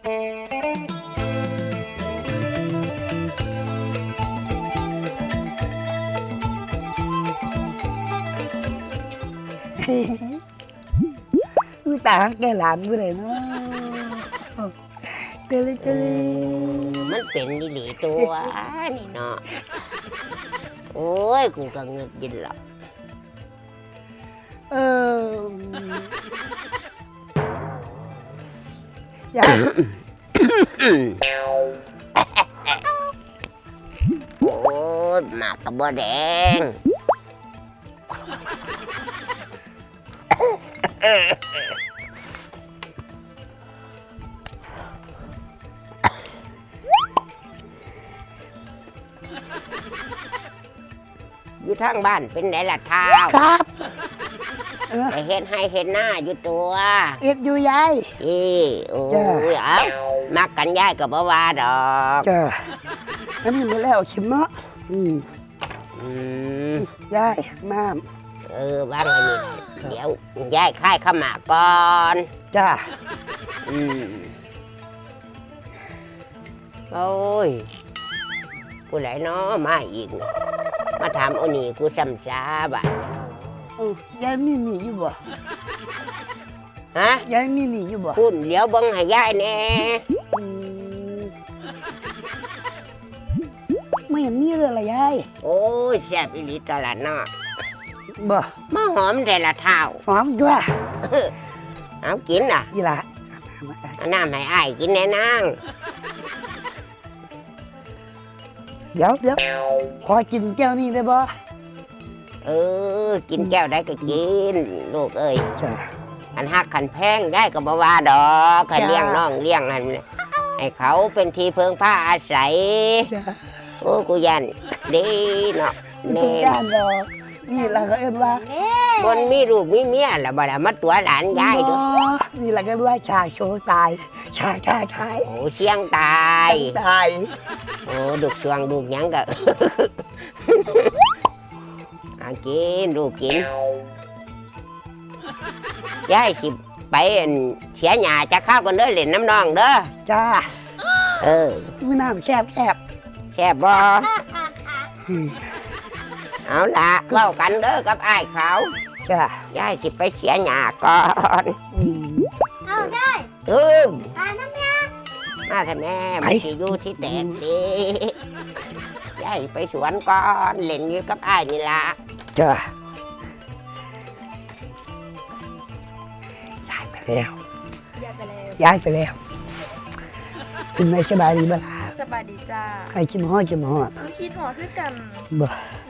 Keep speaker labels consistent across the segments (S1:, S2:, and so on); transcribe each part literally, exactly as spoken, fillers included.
S1: มือตาแกหลานมือไหนเนาะเกลเกล
S2: มันเป็นดิหลีตัวนี่เนาะโอ้ยกูก็เงินยินหรอก
S1: เออยาย
S2: โอ้ยหมากกระบอกแดงอยู่ทางบ้านเป็นไหนล่ะท้าว
S1: ครับ
S2: แต่เห็นให้เห็นหน้าอยู่ตัว
S1: เอ็ดอยู่ยาย
S2: อีโอ้ยเอามักกันยายกับบ่ว่าดอก
S1: จ้าอันนี้มาแล้วชิมเนาะอืม
S2: อืม
S1: ยายน้
S2: ำเออว่างไงนี่เดี๋ยวยายค่ายข้าวหมากก่อน
S1: จ้า
S2: อืมโอ้ยกูไหลเนาะมาอีกมาถามเอาหนีกูซ้ำซาบ่ะ
S1: ยายมีหนีอยู่บ่
S2: ฮะ
S1: ยายมีหนีอยู่บ่
S2: คุณเดี๋ยวบังให้ยายแน่
S1: ไม่เห็นมีเลยละยาย
S2: โอ้ยแซ่บอีหลีตลาดเนาะ
S1: บ่
S2: มาหอมแต่ละเท้า
S1: หอมด้วย
S2: เอากินอ่ะ
S1: ยี่ละ
S2: น้ำให้อ้ายกินแน่นาง
S1: เดี๋ยวเดี๋ยวขอกินแก้วนี้ได้บ่
S2: เออกินแก้วได้ก็กินลูกเอ้ยอันหักขันแพงได้ก็บ่ว่าดอกขันเลี้ยงน้องเลี้ยงอันให้เขาเป็นที่เพิงผ้าอาศัยโอ้กูยันดีเนาะ
S1: เน่ยันดอกนี่ละก็เอ็นว่า
S2: บนมีลูกมีเมียละบ่ละมาตัวหลานยายด้วย
S1: นี่ละก็ว่าชาโชตายชาชาชาย
S2: โอ้เสียงตาย
S1: ตาย
S2: โอ้ดุกสวงดุกยังก็กินลูกกินยายสิไปเสียหญ้าจะข้าวกันเด้อเล่นน้ำนองเด้อ
S1: จ้า
S2: เออ
S1: มือน้ำแซ่บแซ่บ
S2: แซ่บบ่เอาละเล่ากันเด้อกับอ้ายเขา
S1: จ้าย
S2: ายสิไปเสียหญ้าก่อน
S3: เอาได้
S2: อืม
S3: มาน้ำยา
S2: มาแต่แม่ไม่สิอยู่ที่แตกสิยายไปสวนก่อนเล่นอยู่กับอ้ายนี่ละ
S1: จ้าย้ายไปแล้ว
S3: ย้ายไปแล้ว
S1: ย้ายไปแล้วคุณนายสบายดีบ้าง
S3: สบายดีจ้า
S1: ใครคิดหอดคิดหอด
S3: คิดหอดด้วยกัน
S1: บ่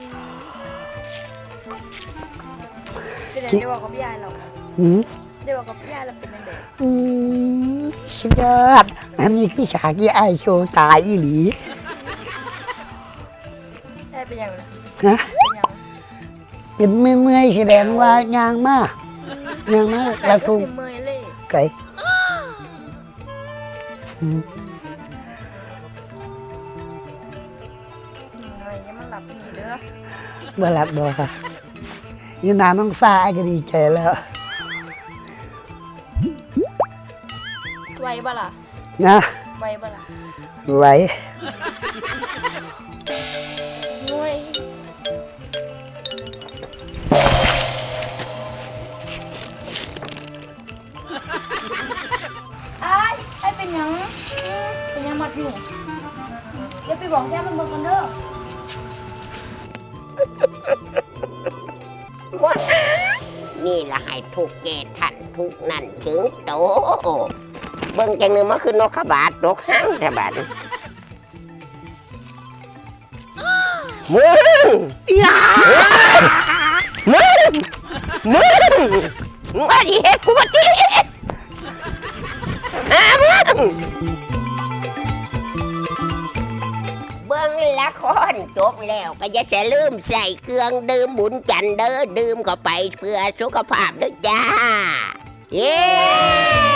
S3: เป็นยังไงได้บอกกับพี่ยายเรา
S1: อืม
S3: ได้บอกกับพี่ยายเราเป็นยังไง
S1: อืมสุดยอดอันนี้คือฉากที่ไอโชว์ตายอีหลี
S3: ได้เป็นยังไง
S1: ฮะเป็นเมื่อยๆแสดงว่ายางมากยางมากแล้วทุกไก่
S3: มันหลับหนีเด้อ
S1: บ่หลับบ่ค่ะยืนนานต้องฟ้าก็ดีใจแล้ว
S3: ไวบ่ล่ะ
S1: นะ
S3: ไวบ่ล่ะ
S1: ไว
S3: งวยไอ้ไอ้เป็นยังเป็นยังมัดอยู่เดี๋ยวไปบอกแม่มันเบิ่งกันเด้อ
S2: นี่ละให้ทุกเกตทันทุกนั่นถึงโตเบิ่งจังนึงมันคือนกขบาดนกหางแต่บาดมึงอย่ามึงมึงมึงว่าดิเฮ็ดกูว่าดิอ่ะมึงเบิ่งละครจบแล้วก็อย่าจะลืมใส่เครื่องดื่มบุญจันทร์เด้อดื่มเข้าไปเพื่อสุขภาพด้วยจ้าเย้